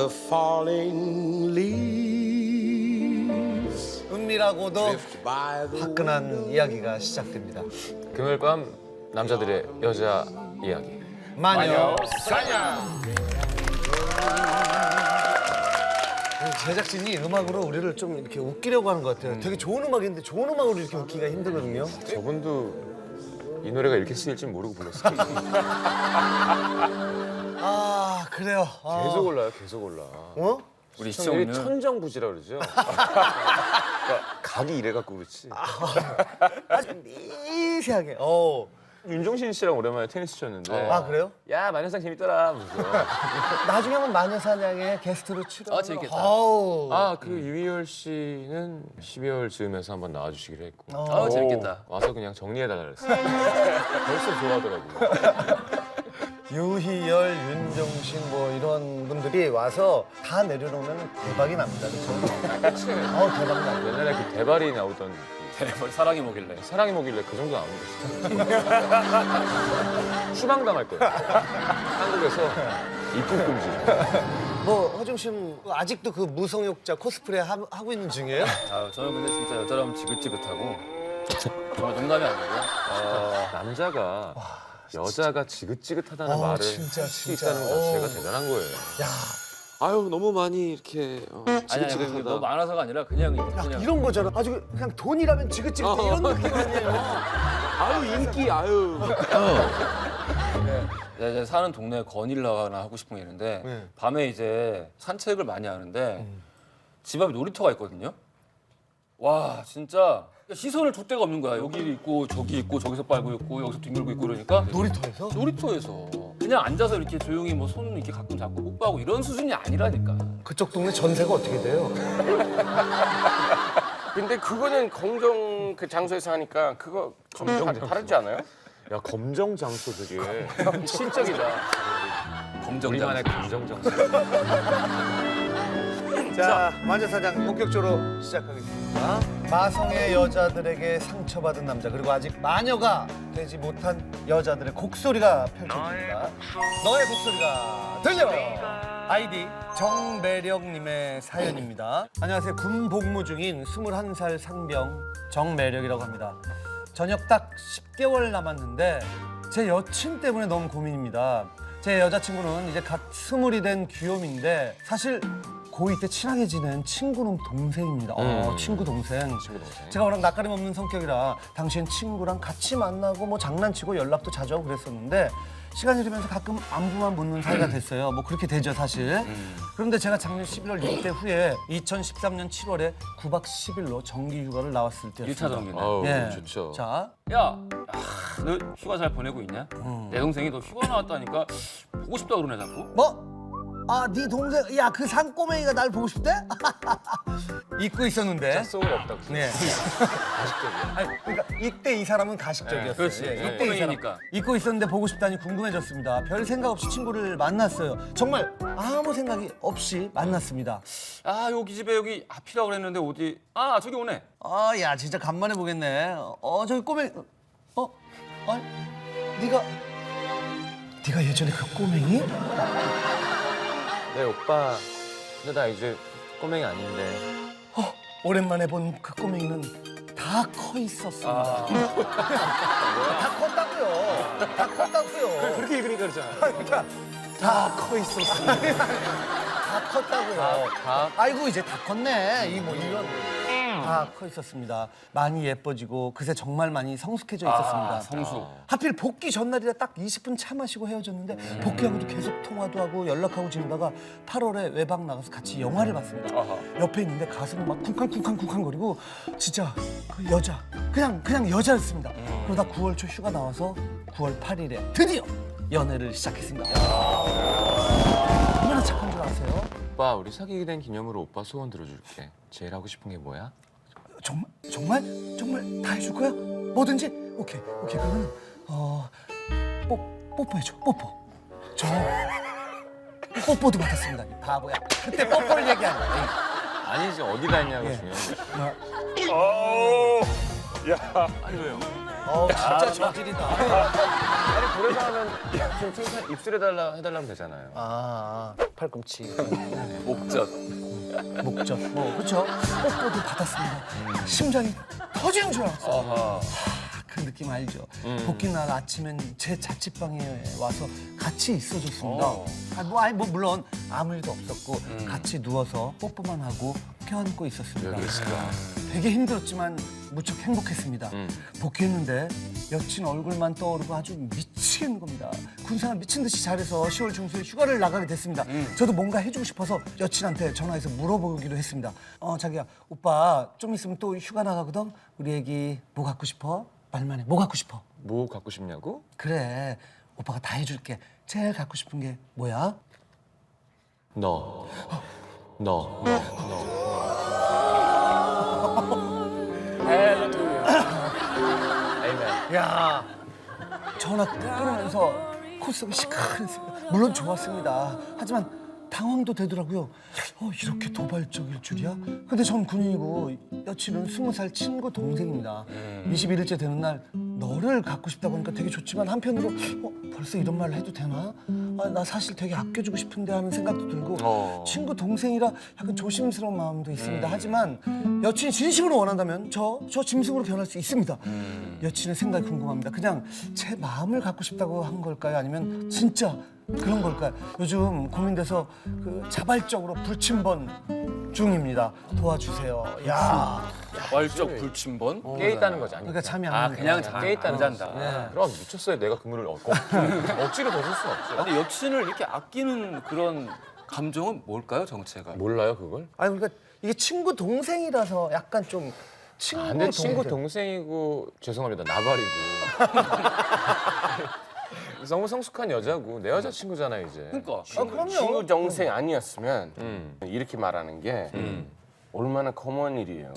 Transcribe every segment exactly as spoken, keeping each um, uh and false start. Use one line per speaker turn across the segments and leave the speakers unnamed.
the falling leaves
은밀하고도
drift by the
화끈한 이야기가 시작됩니다.
금요일 밤 남자들의 여자 이야기.
마녀
사냥.
제작진이 음악으로 우리를 좀 이렇게 웃기려고 하는 것 같아요. 되게 좋은 음악인데 좋은 음악으로 이렇게 웃기가 힘들거든요.
저분도 이 노래가 이렇게 쓰일 줄 모르고 불렀어요.
아 그래요. 아.
계속 올라요, 계속 올라.
어?
우리 시청률 천정부지라 그러죠. 그러니까 각이 이래갖고 그렇지.
아주 미세하게. 어.
윤종신 씨랑 오랜만에 테니스 쳤는데.
아 그래요?
야 마녀상 재밌더라. 하면서.
나중에 한번 마녀사냥에 게스트로 출연.
아, 재밌겠다.
아우.
아그 유희열 씨는 십이월 즈음에서 한번 나와주시기로 했고.
어.
아, 재밌겠다.
와서 그냥 정리해달라 그랬어요. 벌써 좋아하더라고요.
유희열, 윤종신 뭐 이런 분들이 와서 다 내려놓으면 대박이 납니다. 그렇죠? 어 대박 납니다.
옛날에 그 대발이 나오던
대박 사랑이 뭐길래.
사랑이 뭐길래 그 정도 나오는 거지. 추방당할 거예요. 한국에서 입국 금지.
뭐 허중 씨는 아직도 그 무성욕자 코스프레 하, 하고 있는 중이에요?
아, 저는 근데 진짜 여자라면 지긋지긋하고 정말 농담이 아니고요. 어,
남자가 여자가 지긋지긋하다는
어,
말을
진짜,
할 수
진짜.
있다는 것 자체가
어.
대단한 거예요.
야,
아유 너무 많이 이렇게 어,
아니 아니 그
지긋지긋하다.
너무 많아서가 아니라 그냥
야
그냥
이런 거잖아. 아주 그냥 돈이라면 지긋지긋 이런 느낌 아니에요?
아유 인기 아유.
내가 이제 사는 동네에 거닐라나 하고 싶은 게 있는데
네.
밤에 이제 산책을 많이 하는데 집 앞에 놀이터가 있거든요. 와 진짜 시선을 줄 데가 없는 거야. 여기 있고 저기 있고 저기서 빨고 있고 여기서 뒹굴고 있고 그러니까
놀이터에서?
놀이터에서 그냥 앉아서 이렇게 조용히 뭐 손 이렇게 가끔 잡고 뽀뽀하고 이런 수준이 아니라니까.
그쪽 동네 전세가 어떻게 돼요?
근데 그거는 공정 그 장소에서 하니까 그거 좀 다- 다르지 않아요?
야 검정 장소 되게 신적이다.
검정
우리만의
장소.
검정 장소.
자, 마녀사냥 본격적으로 시작하겠습니다. 마성의 여자들에게 상처받은 남자 그리고 아직 마녀가 되지 못한 여자들의 곡소리가 펼쳐집니다. 너의 곡소리가 들려! 아이디 정매력님의 사연입니다. 안녕하세요. 군 복무 중인 스물한 살 상병 정매력이라고 합니다. 전역 딱 십 개월 남았는데 제 여친 때문에 너무 고민입니다. 제 여자친구는 이제 갓 스물이 된 귀요미인데 사실 고이 때 친하게 지낸 친구는 동생입니다. 어,
음.
친구 동생.
친구 동생.
제가 워낙 낯가림 없는 성격이라 당시엔 친구랑 같이 만나고 뭐 장난치고 연락도 자주 하고 그랬었는데 시간이 흐르면서 가끔 안부만 묻는 사이가 됐어요. 뭐 그렇게 되죠 사실. 그런데 제가 작년 십일월 입대 후에 이천십삼 년 칠월에 구박 십일로 정기 휴가를 나왔을 때였습니다.
일 차 정기네.
아우
예.
좋죠.
자,
야, 아, 너 휴가 잘 보내고 있냐? 내 동생이 너 휴가 나왔다니까 보고 싶다 그러네 자꾸.
뭐? 아, 네 동생, 야, 그 산꼬맹이가 날 보고 싶대? 잊고 있었는데.
속은 없다.
네.
가식적이야.
아니, 그러니까 이때 이 사람은 가식적이었어요.
네, 그렇지.
예, 이때 이 사람
산꼬맹이니까.
잊고 있었는데 보고 싶다니 궁금해졌습니다. 별 생각 없이 친구를 만났어요. 정말 아무 생각이 없이 만났습니다.
아 여기 집에 여기 앞이라고 그랬는데 어디? 아 저기 오네.
아, 야, 진짜 간만에 보겠네. 어, 저기 꼬맹이, 어, 아니, 네가, 네가 예전에 그 꼬맹이?
네 오빠. 근데 나 이제 꼬맹이 아닌데.
어, 오랜만에 본 그 꼬맹이는 다 커 있었습니다.
아,
다 컸다고요. 다 컸다고요.
그렇게 읽으니까 그렇잖아.
그러니까 다 커 있었습니다. 다 컸다고요.
다.
아이고 이제 다 컸네. 이 뭐 이런 다 커 있었습니다. 많이 예뻐지고 그새 정말 많이 성숙해져 있었습니다.
아, 성수.
하필 복귀 전날이라 딱 이십 분 차 마시고 헤어졌는데 복귀하고도 계속 통화도 하고 연락하고 지내다가 팔월에 외박 나가서 같이 영화를 봤습니다.
아하.
옆에 있는데 가슴이 막 쿵쾅쿵쾅쿵쾅거리고 진짜 그 여자 그냥 그냥 여자였습니다. 그러다 구월 초 휴가 나와서 구월 팔일에 드디어 연애를 시작했습니다. 얼마나 착한 줄 아세요?
오빠 우리 사귀게 된 기념으로 오빠 소원 들어줄게. 제일 하고 싶은 게 뭐야?
정말 정말 정말 다 해줄 거야? 뭐든지 오케이 오케이 그러면 어 뽀, 뽀뽀해줘 뽀뽀 저 뽀뽀도 받았습니다 이 바보야 그때 뽀뽀를 얘기하는 거야.
아니지 어디다 했냐고
예.
중요한 거야.
뭐,
아니 왜요?
어 진짜 저질이다.
아니 그래서 하면 좀 칭찬 입술해달라 해달라면 되잖아요.
아 팔꿈치,
목젖.
목젖, 뭐 그렇죠. 뽀뽀도 받았습니다. 심장이 터지는 줄 알았어.
아하.
그 느낌 알죠? 복귀 날 아침엔 제 자취방에 와서 같이 있어줬습니다.
어.
아, 뭐, 아니, 뭐 물론 아무 일도 없었고 같이 누워서 뽀뽀만 하고 껴안고 있었습니다. 되게 힘들었지만 무척 행복했습니다. 복귀했는데 여친 얼굴만 떠오르고 아주 미치겠는 겁니다. 군생활 미친 듯이 잘해서 시월 중순에 휴가를 나가게 됐습니다. 저도 뭔가 해주고 싶어서 여친한테 전화해서 물어보기로 했습니다. 어 자기야 오빠 좀 있으면 또 휴가 나가거든. 우리 애기 뭐 갖고 싶어? 말만 해. 뭐 갖고 싶어?
뭐 갖고 싶냐고?
그래 오빠가 다 해줄게. 제일 갖고 싶은 게 뭐야?
너. 너. 너. 너.
야 전화 끊으면서 콧속이 시큰했습니다. 물론 좋았습니다. 하지만 당황도 되더라고요. 어, 이렇게 도발적일 줄이야? 근데 전 군인이고 여친은 스무 살 친구 동생입니다. 이십일 일째 되는 날 너를 갖고 싶다고 하니까 되게 좋지만 한편으로 어, 벌써 이런 말을 해도 되나? 아, 나 사실 되게 아껴주고 싶은데 하는 생각도 들고
어.
친구 동생이라 약간 조심스러운 마음도 있습니다. 하지만 여친이 진심으로 원한다면 저, 저 짐승으로 변할 수 있습니다. 여친의 생각이 궁금합니다. 그냥 제 마음을 갖고 싶다고 한 걸까요? 아니면 진짜 그런 걸까요? 요즘 고민돼서 그 자발적으로 불침번 중입니다. 도와주세요. 야,
wal적 불침번.
깨 있다는 거지 아니.
그러니까 잠이 안
아
오는
그냥
거야.
잠
깨 있다는
안 잔다.
거지. 그럼 미쳤어요. 내가 그물을 얻고 억지로 더 줄 수는 없죠.
근데 여친을 이렇게 아끼는 그런 감정은 뭘까요, 정체가?
몰라요 그걸?
아니 그러니까 이게 친구 동생이라서 약간 좀 친구
아, 근데
동생.
친구 동생이고 죄송합니다 나발이고 너무 성숙한 여자고 내 여자 친구잖아 이제.
그러니까.
아, 그럼요.
친구 동생 아니었으면
음.
이렇게 말하는 게 얼마나 커먼 일이에요.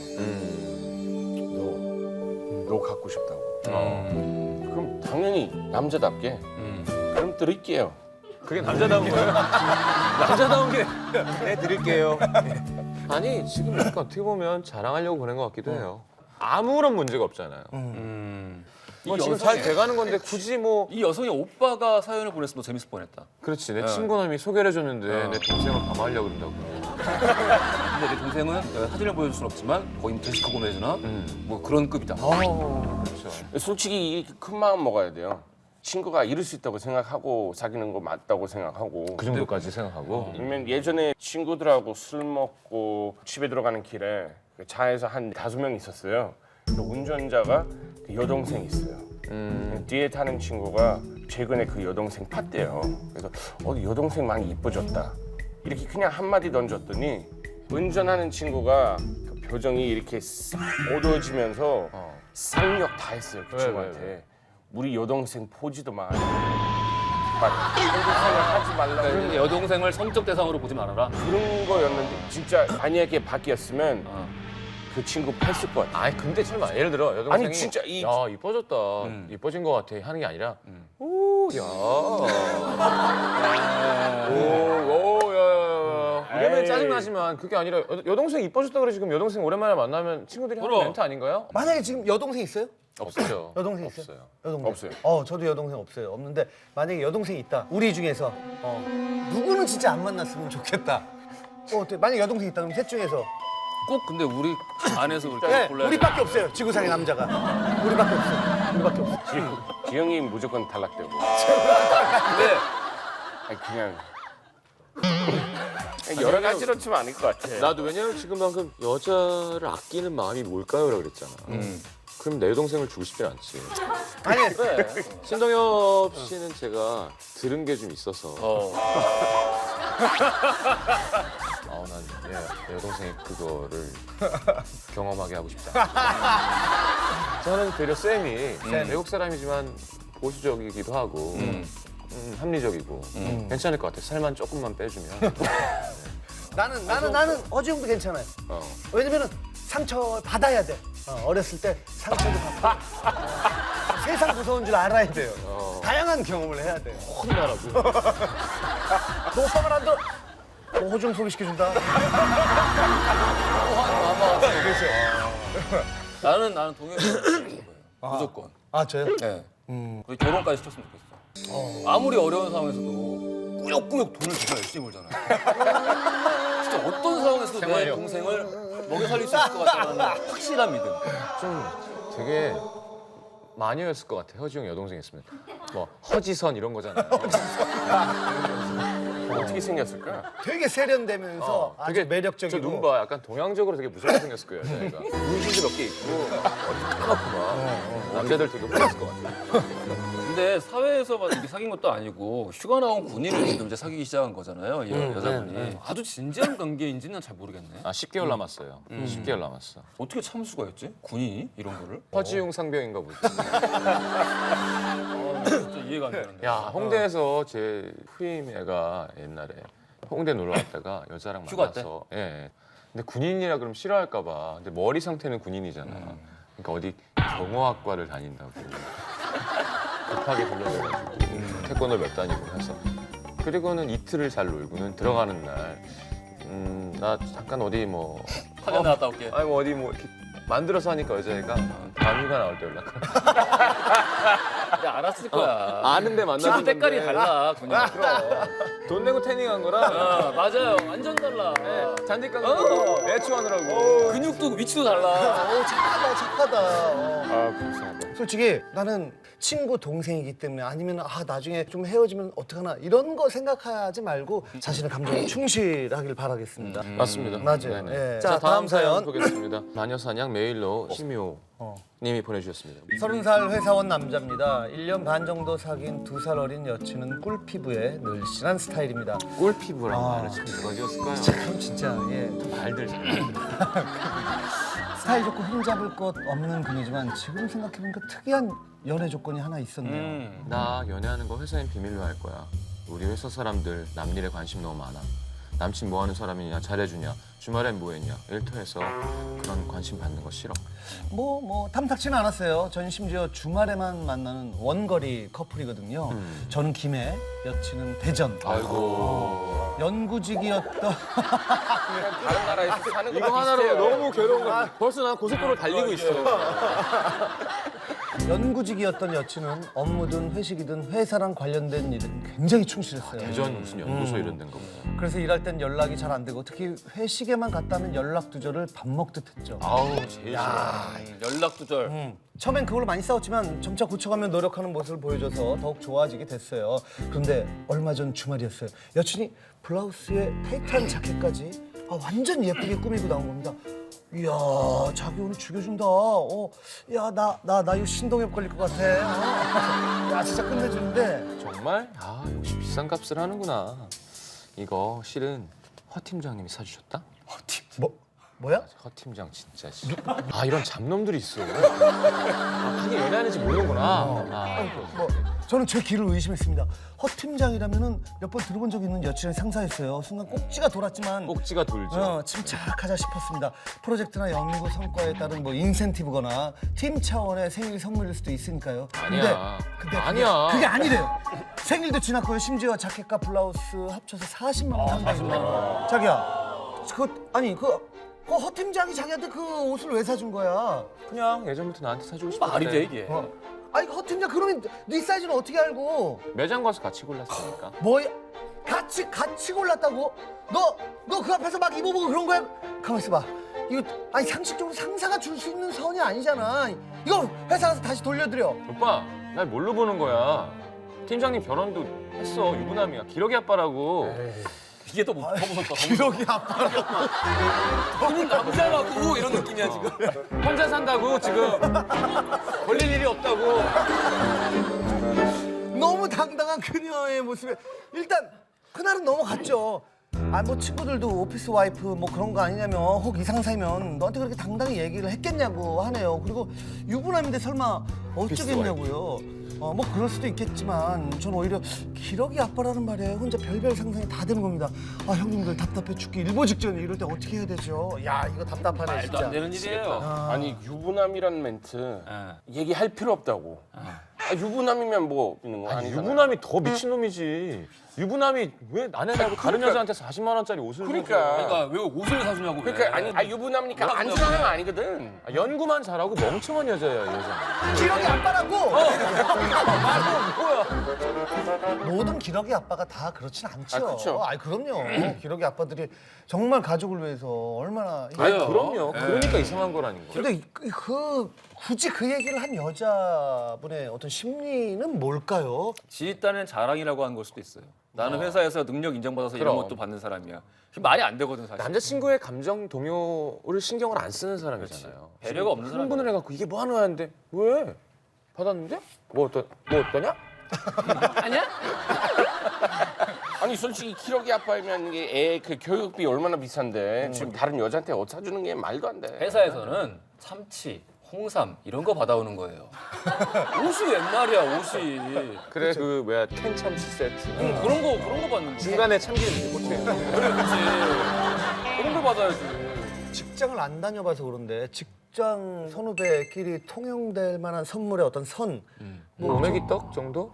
너, 너 갖고 싶다고.
어.
그럼 당연히 남자답게 그럼 드릴게요.
그게 남자다운 거예요? 남자다운 게 네 드릴게요. 아니 지금 약간 어떻게 보면 자랑하려고 보낸 것 같기도 해요. 아무런 문제가 없잖아요.
음.
뭐
이
지금
여성의-
잘 돼가는 건데 굳이 뭐
이 여성의 오빠가 사연을 보냈으면 더 재밌을 뻔했다.
그렇지 내 친구놈이 소개를 해줬는데
어.
내 동생을 방어하려고 그런다고.
근데 내 동생은 내가 사진을 보여줄 순 없지만 거의 제시카 고메즈나
음.
뭐 그런 급이다.
그렇죠.
솔직히 이렇게 큰 마음 먹어야 돼요. 친구가 이럴 수 있다고 생각하고 사귀는 거 맞다고 생각하고.
그 정도까지 생각하고.
아니면 예전에 친구들하고 술 먹고 집에 들어가는 길에 그 차에서 한 다섯 명 있었어요. 그 운전자가 그 여동생 있어요.
음.
뒤에 타는 친구가 최근에 그 여동생 팠대요. 그래서 어 여동생 많이 이뻐졌다. 이렇게 그냥 한마디 던졌더니 운전하는 친구가 그 표정이 이렇게 싹 어두워지면서
어.
쌍욕 다 했어요 그
왜,
친구한테.
왜, 왜?
우리 여동생 포지도 마. 막 한국 생각하지 말라.
그러니까 여동생을 성적 대상으로 보지 말아라.
그런 거였는데 진짜 만약에 바뀌었으면
어.
그 친구 팼을 것 같아.
아니 근데 설마 예를 들어 여동생이
아니, 진짜 이-
야 이뻐졌다
음.
이뻐진 것 같아 하는 게 아니라
음.
오야 오오야야야 이러면
에이.
짜증나지만 그게 아니라 여, 여동생 이뻐졌다 그래 지금 여동생 오랜만에 만나면 친구들이 하는
그럼.
멘트 아닌가요?
만약에 지금 여동생 있어요?
없어요.
여동생 있어요?
없어요.
여동생.
없어요.
어, 저도 여동생 없어요. 없는데 만약에 여동생이 있다. 우리 중에서 어, 누구는 진짜 안 만났으면 좋겠다. 어, 어때? 만약 여동생 있다 그럼 셋 중에서
꼭 근데 우리 안에서 이렇게
네,
골라야 돼.
우리밖에 없어요. 지구상의 남자가. 우리밖에 없어요. 우리밖에 없어.
지- 지영이 무조건 탈락되고.
근데
아니 그냥 그냥 여러 가지로 치면 아닐 것 같아.
나도 왜냐면 지금 방금 여자를 아끼는 마음이 뭘까요라고 그랬잖아.
음.
그럼 내 동생을 주고 싶진 않지.
아니,
그래.
신동엽 씨는 제가 들은 게 좀 있어서
어.
아, 난 예, 내 여동생이 그거를 경험하게 하고 싶다. 저는 되려 쌤이 외국 사람이지만 보수적이기도 하고
음.
음, 합리적이고 괜찮을 것 같아. 살만 조금만 빼주면.
나는 나는 나는 어지영도 괜찮아요.
어.
왜냐면은 상처 받아야 돼. 어, 어렸을 때 상처도 받고 세상 무서운 줄 알아야 돼요.
어.
다양한 경험을 해야 돼요.
혼나라고.
너 오빠 말 안 들어? 너 호중 소개시켜준다.
나는 나는 동영이 무조건.
아 저요?
네. 거의 결혼까지 시켰으면 좋겠어. 아무리 어려운 상황에서도 꾸역꾸역 돈을 진짜 열심히 벌잖아요. 진짜 어떤 상황에서도 내 동생을 먹여 살릴 수 있을 것 같다는 확실한 믿음.
좀 되게 마녀였을 것 같아. 허지웅 여동생 있으면 뭐 허지선 이런 거잖아요.
어떻게 생겼을까?
되게 세련되면서
어,
아주
되게
매력적이고.
저 눈 봐. 약간 동양적으로 되게 무섭게 생겼을 거예요, 여자애가. 문신도 몇 개 있고 어디 까맣고 막 남자들 되게 혼났을 것 같아.
근데 사회에서만 이렇게 사귄 것도 아니고 휴가 나온 군인을 지금 이제 사귀기 시작한 거잖아요. 이 여자분이. 아주 진지한 관계인지는 잘 모르겠네.
아 십 개월 남았어요. 십 개월 남았어.
어떻게 참을 수가 있지? 군인이 이런 거를?
허지웅 상병인가 보지.
아, 진짜 이해가 안 되는데.
야 홍대에서 제 후임 애가 옛날에 홍대 놀러 왔다가 여자랑
휴가
만나서 예, 예. 근데 군인이라 그러면 싫어할까 봐. 근데 머리 상태는 군인이잖아. 그러니까 어디 경호학과를 다닌다고 급하게 불러줘가지고 태권도 몇 다니고 해서 그리고는 이틀을 잘 놀고는 들어가는 날 음, 나 잠깐 어디 뭐
화장 나갔다 올게.
아니 뭐 어디 뭐 이렇게 만들어서 하니까 여자애가 다음 휴가 나올 때 연락하라.
야, 알았을 거야.
아는데 만나는
피부 색깔이 달라, 군인. 그럼.
돈 내고 태닝한 거랑
아, 맞아요. 완전 달라.
잔디깡
어.
애초하느라고.
근육도 위치도 달라.
어, 착하다 착하다. 어.
아 불쌍하다.
솔직히 나는 친구 동생이기 때문에 아니면 아 나중에 좀 헤어지면 어떡하나 이런 거 생각하지 말고 자신의 감정에 충실하길 바라겠습니다.
맞습니다.
맞아요.
네네.
예.
자,
자,
다음
다음
사연
사연.
보겠습니다. 마녀사냥 메일로 심효
어.
님이 보내주셨습니다.
서른 살 회사원 남자입니다. 일 년 반 정도 사귄 두 살 어린 여친은 꿀 피부에 늘씬한 스타일입니다.
꿀피부라는
아.
말을 참 누가 지었을까요?
참 진짜 예.
말들 잘.
스타일 좋고 흠잡을 것 없는 분이지만 지금 생각해보니까 특이한 연애 조건이 하나 있었네요.
음.
나 연애하는 거 회사엔 비밀로 할 거야. 우리 회사 사람들 남일에 관심 너무 많아. 남친 뭐 하는 사람이냐, 잘해주냐, 주말엔 뭐 했냐. 일터에서 그런 관심 받는 거 싫어.
뭐, 뭐 탐탁치는 않았어요. 전 심지어 주말에만 만나는 원거리 커플이거든요. 저는 김해, 여친은 대전.
아이고.
연구직이었던
다른 나라에서 사는 거 이거 하나로 너무 괴로운 거. 벌써 난 고속도로 달리고 있어.
연구직이었던 여친은 업무든 회식이든 회사랑 관련된 일에 굉장히 충실했어요.
대전 무슨 연구소 이런 데인가 보다.
그래서 일할 땐 연락이 잘 안 되고 특히 회식에만 갔다면 연락 두절을 밥 먹듯 했죠.
아우 제일 싫어.
음, 연락 두절.
음, 처음엔 그걸로 많이 싸웠지만 점차 고쳐가며 노력하는 모습을 보여줘서 더욱 좋아지게 됐어요. 그런데 얼마 전 주말이었어요. 여친이 블라우스에 타이트한 자켓까지 아, 완전 예쁘게 꾸미고 나온 겁니다. 이야, 자기 오늘 죽여준다. 어, 야, 나, 나, 나 이거 신동엽 걸릴 것 같아. 어? 야, 진짜 끝내주는데.
정말? 아 역시 비싼 값을 하는구나. 이거 실은 허 팀장님이 사주셨다? 허 팀.
뭐, 뭐야?
허 팀장 진짜. 씨. 아 이런 잡놈들이 있어. 아 그게 연애하는지 모르는구나. 아,
뭐, 저는 제 귀를 의심했습니다. 허 팀장이라면은 몇 번 들어본 적 있는 여친을 상사였어요. 순간 꼭지가 돌았지만
꼭지가 돌죠.
어, 침착하자 싶었습니다. 프로젝트나 연구 성과에 따른 뭐 인센티브거나 팀 차원의 생일 선물일 수도 있으니까요.
아니야.
근데, 근데
아니야.
그게, 그게 아니래요. 생일도 지났고요. 심지어 자켓과 블라우스 합쳐서 사십만 원 상당입니다. 자기야, 그 아니 그. 그 허 팀장이 자기한테 그 옷을 왜 사준 거야?
그냥 예전부터 나한테 사주고 싶었대.
말이 돼 이게.
어. 아니 그 허 팀장 그러면 네 사이즈는 어떻게 알고?
매장 가서 같이 골랐으니까.
뭐야? 같이 같이 골랐다고? 너 너 그 앞에서 막 입어보고 그런 거야? 가만 있어봐. 이거 아니 상식적으로 상사가 줄 수 있는 선이 아니잖아. 이거 회사 가서 다시 돌려드려.
오빠, 날 뭘로 보는 거야? 팀장님 결혼도 했어. 유부남이야. 기러기 아빠라고.
이게 더, 무- 더 무섭다.
기러기 아빠.
너무 남자라고 이런 느낌이야 지금.
혼자 산다고 지금. 걸릴 일이 없다고.
너무 당당한 그녀의 모습에 일단 그날은 넘어갔죠. 아 뭐 친구들도 오피스 와이프 뭐 그런 거 아니냐며 혹 이 상사이면 너한테 그렇게 당당히 얘기를 했겠냐고 하네요. 그리고 유부남인데 설마 어쩌겠냐고요. 어 뭐 그럴 수도 있겠지만 전 오히려 기러기 아빠라는 말에 혼자 별별 상상이 다 되는 겁니다. 아 형님들 답답해 죽기 일보 직전에 이럴 때 어떻게 해야 되죠? 야 이거 답답하네
말도
진짜.
안 되는 일이에요.
아니 유부남이란 멘트
아.
얘기할 필요 없다고. 아, 유부남이면 뭐 있는 거
아니,
아니잖아요.
유부남이 더 미친놈이지. 유부남이 왜 나네 말고 다른
그러니까-
여자한테 사십만 원짜리 옷을
그러니까.
사줘.
그러니까 왜 옷을 사주냐고. 왜.
그러니까 아니 아, 유부남이니까
뭐가
안
유부남이야?
사는 건 아니거든.
아, 연구만 잘하고 멍청한 여자야 이 여자.
기러기 아빠라고.
뭐야?
모든 기러기 아빠가 다 그렇진 않죠.
아, 그쵸.
아이 그럼요. 기러기 아빠들이 정말 가족을 위해서 얼마나.
아니
그래요.
그럼요.
예.
그러니까 이상한 거라는 거.
근데 그, 그 굳이 그 얘기를 한 여자분의 어떤 심리는 뭘까요?
지 딴엔 자랑이라고 하는 걸 수도 있어요. 나는 회사에서 능력 인정받아서 이런
그럼.
것도 받는 사람이야. 그게 말이 안 되거든 사실.
남자친구의 감정 동요를 신경을 안 쓰는 사람이잖아요.
배려가 없는 사람.
흥분을 해갖고 이게 뭐 하는 거야는데 왜? 받았는데? 뭐 어떠 뭐 어떠냐?
아니야?
아니 솔직히 기러기 아빠이면 이게 애 그 교육비 얼마나 비싼데 지금 다른 여자한테 옷 사주는 게 말도 안 돼.
회사에서는 참치, 홍삼 이런 거 받아오는 거예요. 옷이 웬 말이야 옷이.
그래 그 뭐야 텐참치 세트.
응, 그런 거 그런 거 받는 거.
중간에 참기름 이렇게 꽂혀.
그래 그렇지. 그런 걸 받아야지.
직장을 안 다녀봐서 그런데 직장 선후배끼리 통용될 만한 선물의 어떤 선.
뭐 오메기 떡 정도?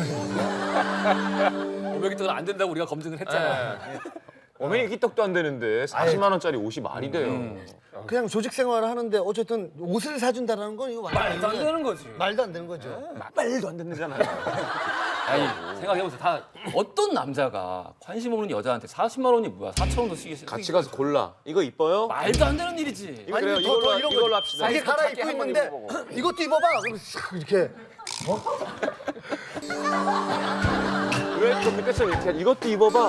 오메기 떡은 안 된다고 우리가 검증을 했잖아.
오메기 떡도 안 되는데 사십만 원짜리 옷이 말이 돼요.
음.
그냥 조직 생활을 하는데 어쨌든 옷을 사준다는 건 이거 완전
말도 안
이거는
되는 거지.
말도 안 되는 거죠.
말도 안 되잖아요.
아니 생각해보세요. 다 어떤 남자가 관심 없는 여자한테 사십만 원이 뭐야? 사천 원도 쓰기
같이 가서 골라. 이거 이뻐요?
말도 안 되는 일이지.
이거 그래요.
아니, 더- 더
이걸로
이런
이걸로
거지.
합시다.
이게 갈아
작게
입고
한번
있는데
입어보고.
이것도 입어봐. 그럼 싹 이렇게
왜 그렇게 떼서 이렇게 하- 이것도 입어봐.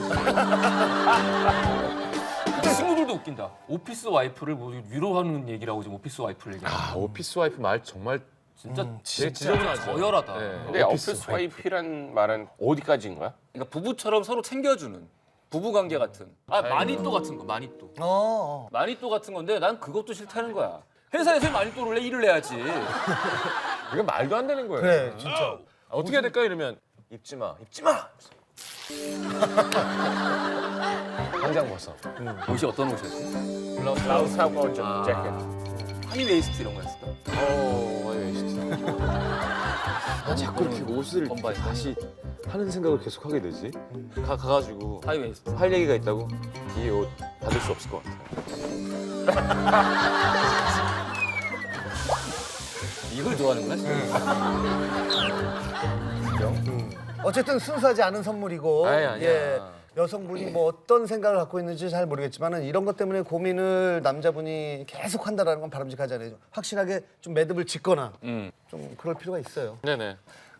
근데 친구들도 웃긴다. 오피스 와이프를 뭐 위로하는 얘기라고 지금 오피스 와이프를 얘기해.
아 오피스 와이프 말 정말
진짜
되게 지저분하죠.
저열하다.
네.
근데 오피스 와이프란 말은 어디까지인 거야?
그러니까 부부처럼 서로 챙겨주는 부부 관계 같은. 아 마니또 같은 거 마니또.
어, 어.
마니또 같은 건데 난 그것도 싫다는 거야. 회사에서 마니또를 내 일을 해야지.
이건 말도 안 되는 거예요.
그래 진짜.
아, 어떻게 해야 될까 이러면 입지 마, 입지 마. 당장 벗어.
옷이 어떤 옷이었지?
블라우스하고 좀
아.
재킷.
하니웨이스트 이런 거였어.
어, 아니 진짜. 나 자꾸 이렇게 옷을
건바지.
다시 하는 생각을 계속 하게 되지. 가 가가지고
하이웨이스트.
할 얘기가 있다고 이 옷 받을 수 없을 것 같아.
이걸 좋아하는 거야?
어쨌든 순수하지 않은 선물이고
아니, 아니야.
예, 여성분이 뭐 어떤 생각을 갖고 있는지 잘 모르겠지만은 이런 것 때문에 고민을 남자분이 계속 한다라는 건 바람직하지 않아요. 확실하게 좀 매듭을 짓거나
음.
좀 그럴 필요가 있어요.
네네.